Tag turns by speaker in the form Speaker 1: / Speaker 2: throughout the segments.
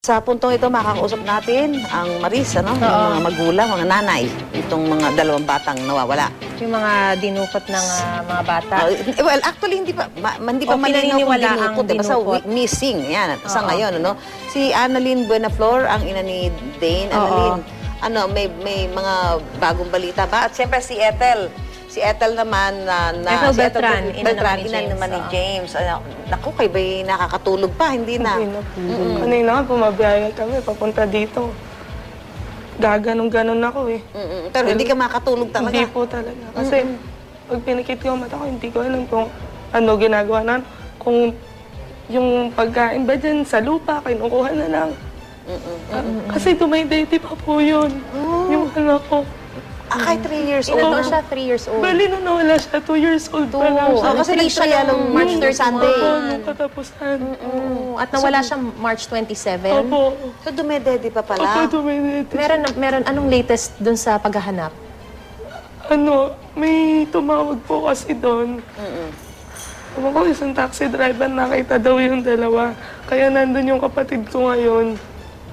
Speaker 1: sa puntong ito, makakausap natin ang Maris, ano? Yung mga magulang, mga nanay, itong mga dalawang batang nawawala.
Speaker 2: Yung mga dinukot ng mga bata.
Speaker 1: Well, actually, hindi pa malinaw kung dinukot. Basta missing, yan, sa ngayon, ano? Si Annalyn Buenaflor, ang ina ni Dane. Annalyn, ano, may mga bagong balita ba? At siyempre si Ethel. Si Ethel naman,
Speaker 2: Ethel Beltran,
Speaker 1: ina naman ni James. Naku, kayo ba'y nakakatulog pa? Hindi na.
Speaker 3: Kanina nga, pumabiyaya kami, papunta dito. Gaganong-ganon ako eh.
Speaker 1: Pero hindi ka makatulog talaga?
Speaker 3: Hindi po talaga. Kasi pag pinikit ko ang mata ko, hindi ko alam kung ano ginagawa na. Kung yung pagkain ba dyan sa lupa, kinukuha na lang. Kasi tumaydaydi pa po yun. Yung anak ko.
Speaker 1: Kahit 3 years old.
Speaker 2: Ilan siya? 3 years old.
Speaker 3: Bali na nawala siya, 2 years old pa lang siya.
Speaker 1: Kasi nag-trial ng March 31.
Speaker 3: Sunday. Nung katapusan.
Speaker 2: At nawala siya March 27.
Speaker 3: Opo.
Speaker 1: So, dumedede pa pala?
Speaker 3: Opo, tumaydaydi.
Speaker 2: Meron anong latest dun sa paghahanap?
Speaker 3: Ano, may tumawag po kasi doon. Ewan ko, isang taxi driver, nakita daw yung dalawa. Kaya nandun yung kapatid ko ngayon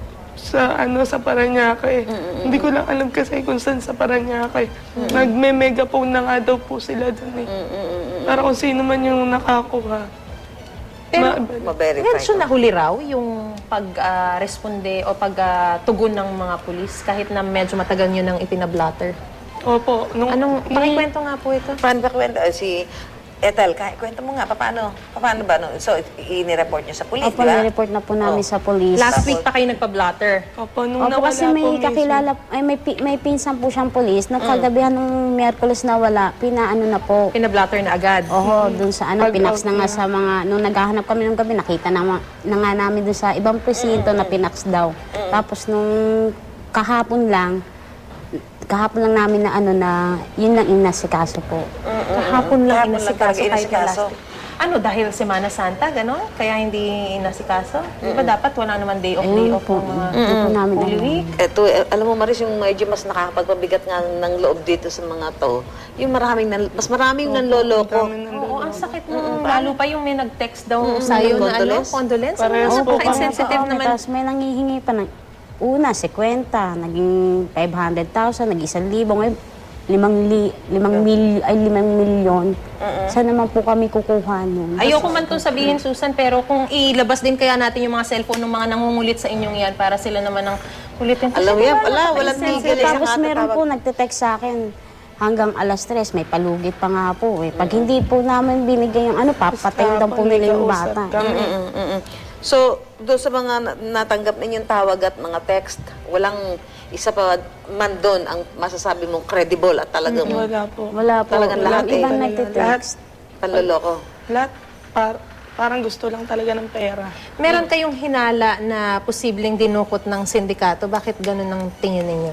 Speaker 3: sa Parañaque. Hindi ko lang alam kasi kung saan sa Parañaque. Nagme-megaphone na nga daw po sila doon eh. Para kung sino man yung nakakuha.
Speaker 2: Pero,
Speaker 1: ma-verify.
Speaker 2: medyo nahuli raw yung pag-responde o pag-tugon ng mga pulis kahit na medyo matagal nyo nang ipinablatter.
Speaker 3: Opo.
Speaker 2: Pakikwento nga po ito.
Speaker 1: Paano ba kwento? Si Ethel, kwento mo nga, paano ba? No? So, i-report niyo sa police, di
Speaker 4: Opo,
Speaker 1: ba?
Speaker 4: nireport na po namin sa police.
Speaker 2: Last week pa kayo nagpa-blatter.
Speaker 3: Opo, nung
Speaker 4: Opo,
Speaker 3: nawala
Speaker 4: kasi
Speaker 3: po
Speaker 4: may
Speaker 3: minsan.
Speaker 4: kakilala, ay may pinsan po siyang polis. Nung kagabihan ng Miyerkules na wala, pinaano na po.
Speaker 2: Pinablatter na agad.
Speaker 4: Oho, dun sa pinax na nga sa mga, nung naghahanap kami ng gabi, nakita na nga namin dun sa ibang presinto na pinax daw. Tapos nung kahapon lang namin na yun lang inasikaso po.
Speaker 2: Kahapon lang inasikaso
Speaker 1: talaga
Speaker 2: kahit na last week. Ano, dahil Semana Santa, gano'n? Kaya hindi inasikaso? Di ba dapat wala naman day off
Speaker 4: po.
Speaker 2: ng mga
Speaker 4: Hindi po namin
Speaker 2: Holy
Speaker 4: alam.
Speaker 2: Week?
Speaker 1: Ito, alam mo, Maris, yung medyo mas nakakapagpabigat nga ng loob dito sa mga to, yung mas maraming nanloloko.
Speaker 2: Oo, ang sakit mo. Lalo pa yung may nag-text daw sa'yo na condolence.
Speaker 3: Parehas po.
Speaker 2: Napaka-insensitive
Speaker 4: Oo,
Speaker 2: naman.
Speaker 4: tapos may nangihingi pa ng una, 50, naging 500,000, naging 1,000, ngayon 5 milyon. Saan naman po kami kukuha nun?
Speaker 2: Ayoko man itong sabihin, Susan, pero kung ilabas din kaya natin yung mga cellphone ng mga nangungulit sa inyong yan para sila naman ang ulitin.
Speaker 1: Alam mo yan, walang tigil.
Speaker 4: Tapos meron po nagte-text sa akin hanggang alas 3, may palugit pa nga po eh. Pag hindi po namin binigay yung papatayin daw po nila yung bata.
Speaker 1: So, doon sa mga natanggap ninyong tawag at mga text, walang isa pa man doon ang masasabi mong credible at talagang
Speaker 3: Wala po.
Speaker 4: Wala po.
Speaker 1: Talagang lahat
Speaker 4: Yung ibang
Speaker 1: eh.
Speaker 4: nagte-text.
Speaker 1: panloloko.
Speaker 3: Lahat, parang gusto lang talaga ng pera.
Speaker 2: Meron kayong hinala na posibleng dinukot ng sindikato. Bakit ganun ang tingin ninyo?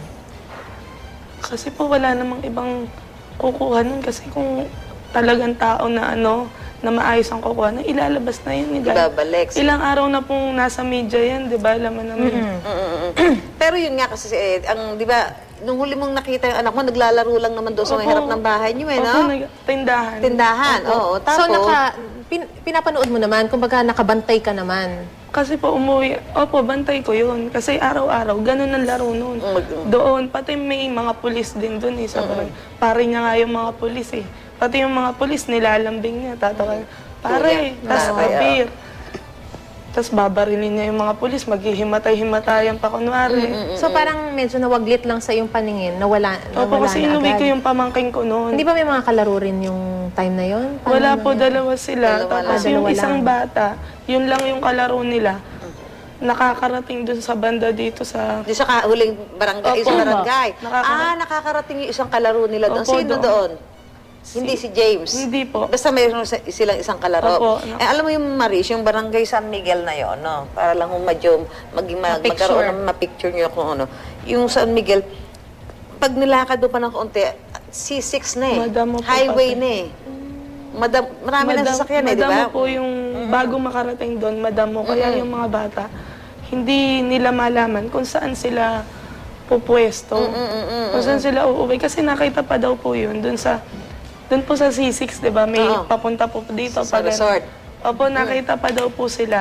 Speaker 3: Kasi po wala namang ibang kukuha nun. Kasi kung talagang tao na na maayos ang kukuha, ilalabas na yun.
Speaker 1: Ibabalik.
Speaker 3: Ilang araw na pong nasa media yan, di ba? Alam mo naman.
Speaker 1: Pero yun nga kasi, di ba, nung huli mong nakita yung anak mo, naglalaro lang naman doon sa may harap ng bahay niyo, no?
Speaker 3: Tindahan.
Speaker 1: Tindahan, oo. Tapos,
Speaker 2: So, pinapanood mo naman, kumbaga nakabantay ka naman.
Speaker 3: Kasi po umuwi, bantay ko yun. Kasi araw-araw, ganun ang laro noon. Doon, pati may mga pulis din doon eh. Pare niya nga yung mga pulis eh. Pati yung mga pulis, nilalambing niya. Tatawa, pare, tas apir. Tapos babarilin niya yung mga pulis, maghihimatay-himatayan pa kunwari.
Speaker 2: So, parang medyo nawaglit lang sa iyong paningin, nawala
Speaker 3: Opo, kasi
Speaker 2: na
Speaker 3: inuwi
Speaker 2: agad.
Speaker 3: ko yung pamangking ko noon.
Speaker 2: Hindi ba may mga kalaro rin yung time na yun?
Speaker 3: Wala po, dalawa sila.
Speaker 1: Dalawa
Speaker 3: Tapos
Speaker 2: lang.
Speaker 3: yung
Speaker 2: Dalawa
Speaker 3: isang
Speaker 2: lang.
Speaker 3: bata, yun lang yung kalaro nila. Nakakarating dun sa banda dito sa...
Speaker 1: di sa huling barangay,
Speaker 3: Opo.
Speaker 1: isang barangay.
Speaker 3: Nakakarating.
Speaker 1: Nakakarating yung isang kalaro nila doon.
Speaker 3: Opo,
Speaker 1: Sino doon? Hindi si James.
Speaker 3: Hindi po.
Speaker 1: Basta mayroon silang isang kalaro.
Speaker 3: Opo.
Speaker 1: Alam mo yung Maris, yung barangay San Miguel na yon, no? Para lang kung medyo magkaroon ng mapicture nyo kung ano. Yung San Miguel, pag nilakad doon pa ng kaunti, C6 na eh.
Speaker 3: Madamo po
Speaker 1: Highway
Speaker 3: pati.
Speaker 1: na eh. Marami na sasakyan eh, di ba?
Speaker 3: Madamo po yung bago makarating doon, madamo. Kaya yung mga bata, hindi nila malaman kung saan sila pupwesto. Kung saan sila uuwi. Kasi nakita pa daw po yun doon po sa C6, di ba? May papunta po dito.
Speaker 1: Sa resort.
Speaker 3: Opo, nakita pa daw po sila.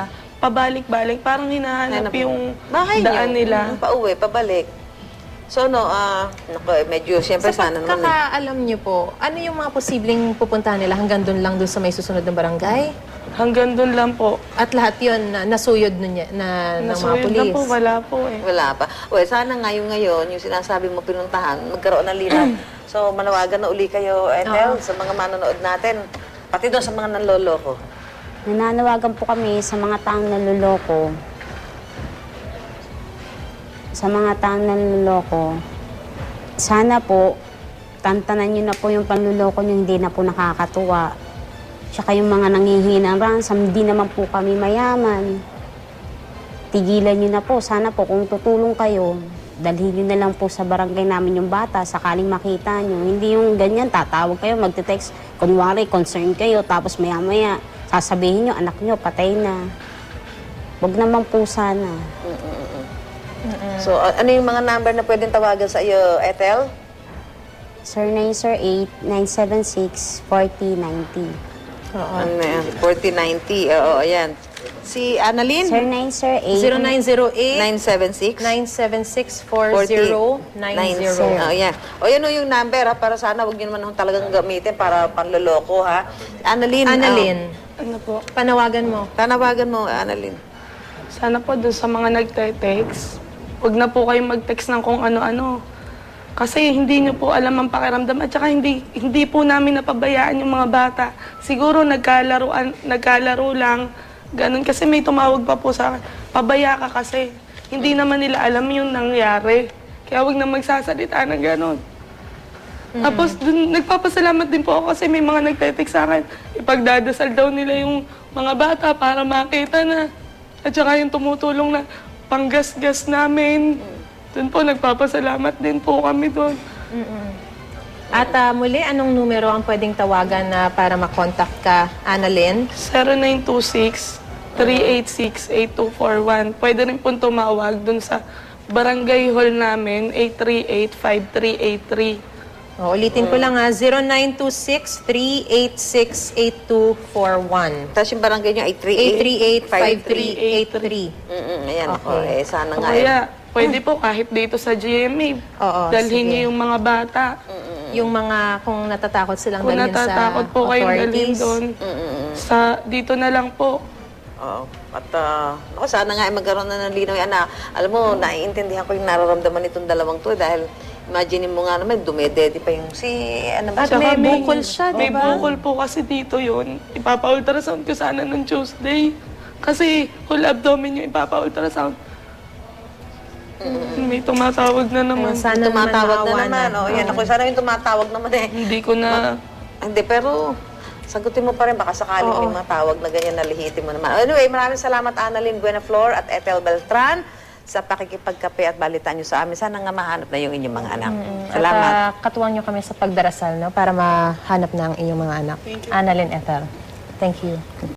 Speaker 3: pabalik-balik. Parang hinahanap yung
Speaker 1: bahay
Speaker 3: daan
Speaker 1: niyo.
Speaker 3: nila.
Speaker 1: Pauwi, pabalik. So, no, medyo, siyempre,
Speaker 2: Sa
Speaker 1: sana naman.
Speaker 2: pagkakaalam niyo po, ano yung mga posibleng pupuntahan nila hanggang doon lang doon sa may susunod ng barangay?
Speaker 3: Hanggang doon lang po.
Speaker 2: At lahat yun nasuyod nun ng mga
Speaker 3: Nasuyod
Speaker 2: pulis?
Speaker 3: na po, wala po eh.
Speaker 1: Wala pa. Uy, sana ngayon, yung sinasabi mo pinuntahan, magkaroon ng linaw. So, manawagan na uli kayo, Ethel, sa mga manonood natin. Pati doon sa mga nanloloko.
Speaker 4: Nananawagan po kami sa mga taong naluloko. Sa mga taong naluloko, sana po, tantanan nyo na po yung panluloko nyo, hindi na po nakakatuwa. Tsaka yung mga nanghihingi ng ransom, hindi naman po kami mayaman. Tigilan nyo na po. Sana po kung tutulong kayo, dalhin nyo na lang po sa barangay namin yung bata, sakaling makita nyo. Hindi yung ganyan, tatawag kayo, magte-text, kunwari, concern kayo, tapos maya-maya, sasabihin nyo, anak nyo, patay na. Huwag naman po sana.
Speaker 1: So, ano yung mga number na pwedeng tawagan sa iyo, Ethel?
Speaker 4: Sir 908-976-4090.
Speaker 1: Ano yan? 4090. Oo, ayan. Si Annalyn?
Speaker 4: Sir
Speaker 2: 0908
Speaker 4: 908
Speaker 1: 976
Speaker 2: 976-4090.
Speaker 1: Oh, yan. O, yan o yung number, ha, para sana huwag nyo naman talagang gamitin para panloloko, ha? Annalyn.
Speaker 2: Annalyn,
Speaker 3: Ano po?
Speaker 2: panawagan mo.
Speaker 1: Tanawagan mo, Annalyn.
Speaker 3: Sana po doon sa mga nagte-text, huwag na po kayong mag-text ng kung ano-ano. Kasi hindi nyo po alam ang pakiramdam at saka hindi po namin napabayaan yung mga bata. Siguro nagkalaro lang, ganun. Kasi may tumawag pa po sa akin, pabaya ka kasi. Hindi naman nila alam yung nangyari. Kaya huwag na magsasalita ng ganun. Tapos dun, nagpapasalamat din po ako kasi may mga nagte-text sa akin. Ipagdadasal daw nila yung mga bata para makita na. At saka yung tumutulong na panggas-gas namin. Doon po, nagpapasalamat din po kami doon.
Speaker 2: At muli, anong numero ang pwedeng tawagan na para makontakt ka, Annalyn?
Speaker 3: 0926-386-8241. Pwede rin po tumawag doon sa barangay hall namin, 838-5383.
Speaker 2: Ulitin ko lang 0926-386-8241.
Speaker 1: Tapos yung barangay nyo ay
Speaker 2: 838-5383.
Speaker 1: Ayan.
Speaker 2: Okay.
Speaker 1: Sana
Speaker 3: O
Speaker 1: nga.
Speaker 3: kaya, pwede po kahit dito sa GMA,
Speaker 2: Oo,
Speaker 3: dalhin
Speaker 2: sige.
Speaker 3: niyo yung mga bata.
Speaker 2: Yung mga, kung natatakot silang
Speaker 3: Kung
Speaker 2: dalhin sa
Speaker 3: natatakot po kayong dalhin
Speaker 2: authorities.
Speaker 3: doon, dito na lang po.
Speaker 1: Oo. At ako, sana nga ay magkaroon na ng linaw yan na, alam mo, naiintindihan ko yung nararamdaman nitong dalawang to dahil imagine mo nga naman, dumedede pa yung
Speaker 2: At
Speaker 3: Tsaka
Speaker 2: may bukol siya, di
Speaker 3: May
Speaker 2: ba?
Speaker 3: bukol po kasi dito yun. Ipapa-ultrasound ko sana nung Tuesday. Kasi whole abdomen yung ipapa-ultrasound. May tumatawag na naman.
Speaker 2: Sana
Speaker 1: tumatawag na
Speaker 2: maawa
Speaker 1: naman. Oh, yan. Ako, sana yung tumatawag naman eh.
Speaker 3: Hindi ko na...
Speaker 1: Hindi, pero sagutin mo pa rin. Baka sakaling may mga tawag na ganyan na lihitin mo naman. Anyway, maraming salamat Annalyn Buenaflor at Ethel Beltran sa pakikipagkape at balitaan nyo sa amin. Sana nga mahanap na yung inyong mga anak. Salamat.
Speaker 2: At katuwang nyo kami sa pagdarasal, no? Para mahanap na ang inyong mga anak. Annalyn Ethel. Thank you.